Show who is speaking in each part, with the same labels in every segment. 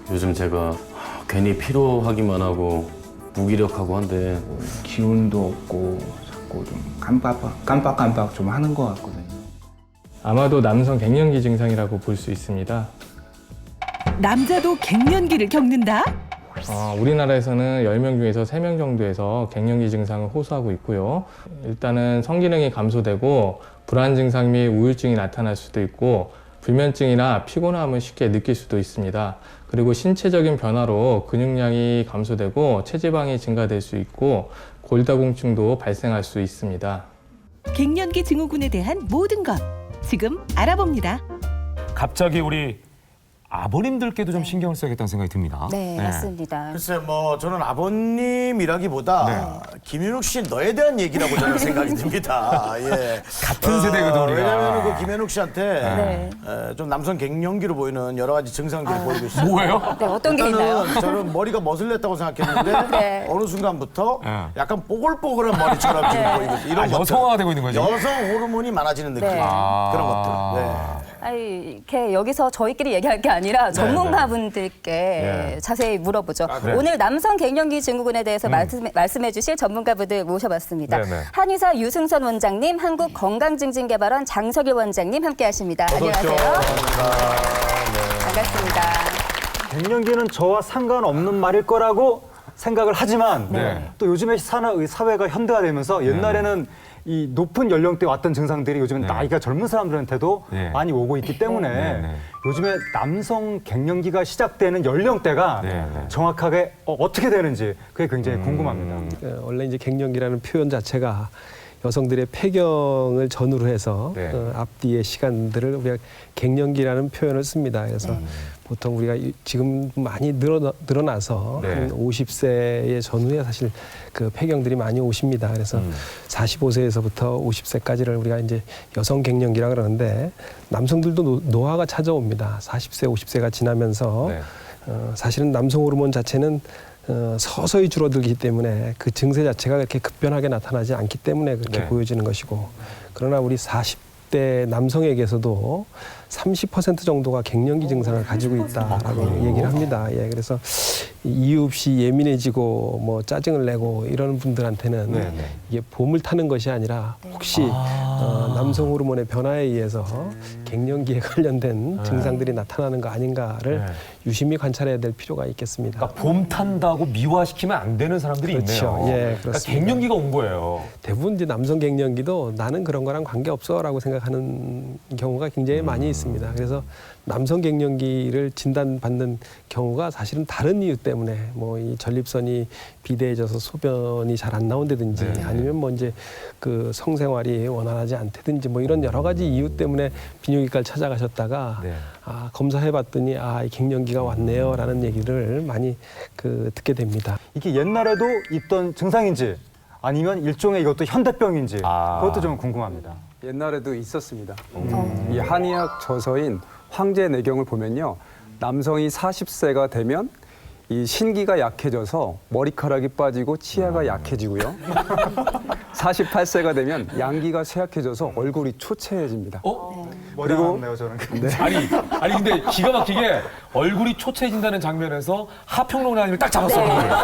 Speaker 1: 요즘 제가 괜히 피로하기만 하고 무기력하고 한데
Speaker 2: 기운도 없고 자꾸 좀 깜빡깜빡 좀 하는 것 같거든요.
Speaker 3: 아마도 남성 갱년기 증상이라고 볼 수 있습니다.
Speaker 4: 남자도 갱년기를 겪는다?
Speaker 3: 우리나라에서는 10명 중에서 3명 정도에서 갱년기 증상을 호소하고 있고요. 일단은 성기능이 감소되고 불안 증상 및 우울증이 나타날 수도 있고 불면증이나 피곤함을 쉽게 느낄 수도 있습니다. 그리고 신체적인 변화로 근육량이 감소되고 체지방이 증가될 수 있고 골다공증도 발생할 수 있습니다.
Speaker 4: 갱년기 증후군에 대한 모든 것 지금 알아봅니다.
Speaker 5: 갑자기 우리 아버님들께도 좀 신경을 써야겠다는 생각이 듭니다.
Speaker 6: 네, 맞습니다.
Speaker 7: 글쎄 뭐 저는 아버님이라기보다 김윤욱 씨 너에 대한 얘기라고 저는 생각이 듭니다. 예.
Speaker 5: 같은 세대거든, 우리가.
Speaker 7: 왜냐하면 그 김윤욱 씨한테 좀 남성 갱년기로 보이는 여러 가지 증상들을 보이고 있어요.
Speaker 5: 뭐예요?
Speaker 6: 네, 어떤 게 있나요?
Speaker 7: 일단은 저는 머리가 머슬렸다고 생각했는데
Speaker 6: 네.
Speaker 7: 어느 순간부터
Speaker 5: 네.
Speaker 7: 약간 뽀글뽀글한 머리처럼 지금 보이고 있어요. 이런 것들.
Speaker 5: 여성화가 되고 있는 거죠?
Speaker 7: 여성 호르몬이 많아지는 느낌.
Speaker 6: 네.
Speaker 7: 그런 것들. 네.
Speaker 6: 아니, 이렇게 여기서 저희끼리 얘기할 게 아니라 전문가분들께 자세히 물어보죠.
Speaker 5: 그래요?
Speaker 6: 오늘 남성 갱년기 증후군에 대해서 말씀해 주실 전문가분들 모셔봤습니다.
Speaker 5: 네네.
Speaker 6: 한의사 유승선 원장님, 한국건강증진개발원 장석일 원장님 함께하십니다. 안녕하세요. 반갑습니다.
Speaker 8: 갱년기는 저와 상관없는 말일 거라고 생각을 하지만
Speaker 5: 네.
Speaker 8: 또 요즘에 사회가 현대화되면서 옛날에는 이 높은 연령대에 왔던 증상들이 요즘은 나이가 젊은 사람들한테도
Speaker 5: 네.
Speaker 8: 많이 오고 있기 때문에
Speaker 5: 네.
Speaker 8: 요즘에 남성 갱년기가 시작되는 연령대가
Speaker 5: 네.
Speaker 8: 정확하게 어떻게 되는지 그게 굉장히 궁금합니다.
Speaker 9: 원래 이제 갱년기라는 표현 자체가 여성들의 폐경을 전후로 해서
Speaker 5: 네.
Speaker 9: 앞뒤의 시간들을 우리가 갱년기라는 표현을 씁니다. 그래서 보통 우리가 지금 많이 늘어나서
Speaker 5: 네.
Speaker 9: 한 50세의 전후에 사실 그 폐경들이 많이 오십니다. 그래서 45세에서부터 50세까지를 우리가 이제 여성 갱년기라 그러는데 남성들도 노화가 찾아옵니다. 40세, 50세가 지나면서
Speaker 5: 네.
Speaker 9: 사실은 남성 호르몬 자체는 서서히 줄어들기 때문에 그 증세 자체가 그렇게 급변하게 나타나지 않기 때문에 그렇게
Speaker 5: 네.
Speaker 9: 보여지는 것이고, 그러나 우리 40대 남성에게서도 30% 정도가 갱년기 증상을 가지고 있다라고 얘기를 합니다. 예, 그래서 이유 없이 예민해지고 뭐 짜증을 내고 이러는 분들한테는
Speaker 5: 네.
Speaker 9: 이게 봄을 타는 것이 아니라 혹시 남성 호르몬의 변화에 의해서 갱년기에 관련된 증상들이 나타나는 거 아닌가를
Speaker 5: 네.
Speaker 9: 유심히 관찰해야 될 필요가 있겠습니다.
Speaker 5: 그러니까 봄 탄다고 미화시키면 안 되는 사람들이
Speaker 9: 그렇죠.
Speaker 5: 있네요.
Speaker 9: 예,
Speaker 5: 그러니까
Speaker 9: 그렇습니다.
Speaker 5: 갱년기가 온 거예요.
Speaker 9: 대부분 이제 남성 갱년기도 나는 그런 거랑 관계없어라고 생각하는 경우가 굉장히 많이 있습니다. 그래서 남성 갱년기를 진단받는 경우가 사실은 다른 이유 때문에 뭐 이 전립선이 비대해져서 소변이 잘 안 나온다든지 아니면 뭐 이제 그 성생활이 원활하지 않다든지 뭐 이런 여러 가지 이유 때문에 비뇨기과를 찾아가셨다가 검사해봤더니 이 갱년기가 왔네요라는 얘기를 많이 듣게 됩니다.
Speaker 8: 이게 옛날에도 있던 증상인지 아니면 일종의 이것도 현대병인지 그것도 좀 궁금합니다.
Speaker 10: 옛날에도 있었습니다. 이 한의학 저서인 황제내경을 보면요. 남성이 40세가 되면 이 신기가 약해져서 머리카락이 빠지고 치아가 약해지고요. 48세가 되면 양기가 쇠약해져서 얼굴이 초췌해집니다.
Speaker 8: 머리가 없네요, 저는.
Speaker 5: 아니 근데 기가 막히게 얼굴이 초췌해진다는 장면에서 하평론가님을 딱 잡았어요.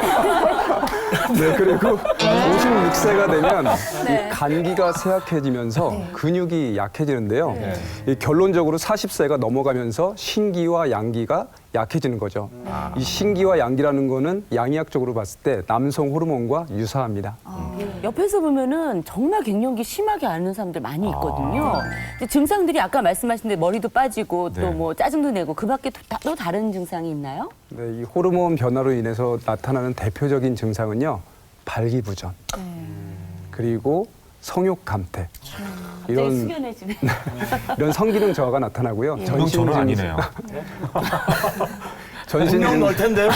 Speaker 10: 네, 그리고 56세가 되면 이 간기가 쇠약해지면서 근육이 약해지는데요. 이 결론적으로 40세가 넘어가면서 신기와 양기가 약해지는 거죠. 이 신기와 양기라는 거는 양의학적으로 봤을 때 남성 호르몬과 유사합니다.
Speaker 11: 옆에서 보면은 정말 갱년기 심하게 앓는 사람들 많이 있거든요. 근데 증상들이 아까 말씀하신 대로 머리도 빠지고 또 뭐 짜증도 내고 그 밖에 또 다른 증상이 있나요?
Speaker 10: 네, 이 호르몬 변화로 인해서 나타나는 대표적인 증상은요. 발기부전. 그리고 성욕 감퇴. 이런
Speaker 11: 숙연해지네.
Speaker 10: 이런 성기능 저하가 나타나고요.
Speaker 5: 저는 아니네요.
Speaker 7: 분명 넣을 텐데요.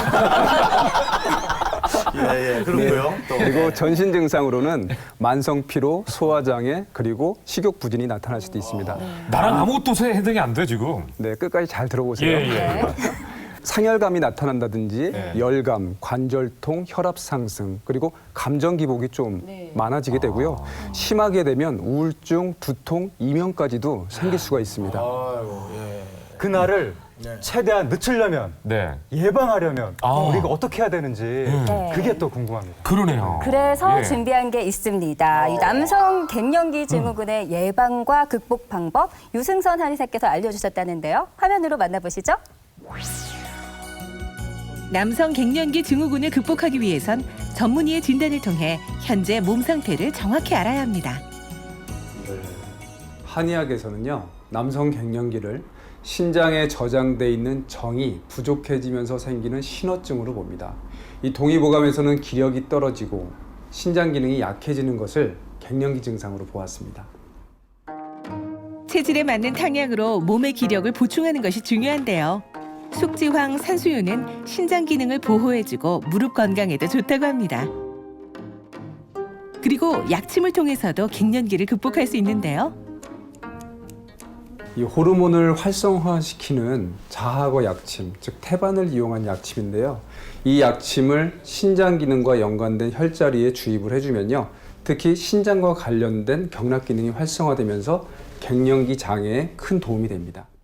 Speaker 7: 예, 그렇고요. 또.
Speaker 10: 그리고 전신 증상으로는 만성 피로, 소화 장애, 그리고 식욕 부진이 나타날 수도 있습니다.
Speaker 5: 나랑 아무것도 해당이 안 돼 지금.
Speaker 10: 네, 끝까지 잘 들어보세요.
Speaker 5: 예.
Speaker 10: 상열감이 나타난다든지 열감, 관절통, 혈압 상승, 그리고 감정 기복이 좀 많아지게 되고요. 심하게 되면 우울증, 두통, 이명까지도 생길 수가 있습니다.
Speaker 8: 그날을 최대한 늦추려면
Speaker 5: 네.
Speaker 8: 예방하려면
Speaker 5: 아.
Speaker 8: 우리가 어떻게 해야 되는지
Speaker 6: 네.
Speaker 8: 그게 또 궁금합니다.
Speaker 5: 그러네요.
Speaker 6: 그래서
Speaker 5: 예.
Speaker 6: 준비한 게 있습니다. 이 남성 갱년기 증후군의 예방과 극복 방법 유승선 한의사께서 알려주셨다는데요. 화면으로 만나보시죠.
Speaker 4: 남성 갱년기 증후군을 극복하기 위해선 전문의의 진단을 통해 현재 몸 상태를 정확히 알아야 합니다.
Speaker 10: 한의학에서는요, 남성 갱년기를 신장에 저장돼 있는 정이 부족해지면서 생기는 신호증으로 봅니다. 이 동의보감에서는 기력이 떨어지고 신장 기능이 약해지는 것을 갱년기 증상으로 보았습니다.
Speaker 4: 체질에 맞는 탕약으로 몸의 기력을 보충하는 것이 중요한데요. 숙지황 산수유는 신장 기능을 보호해주고 무릎 건강에도 좋다고 합니다. 그리고 약침을 통해서도 갱년기를 극복할 수 있는데요.
Speaker 10: 이 호르몬을 활성화시키는 자하거 약침, 즉 태반을 이용한 약침인데요. 이 약침을 신장 기능과 연관된 혈자리에 주입을 해주면요, 특히 신장과 관련된 경락 기능이 활성화되면서 갱년기 장애에 큰 도움이 됩니다.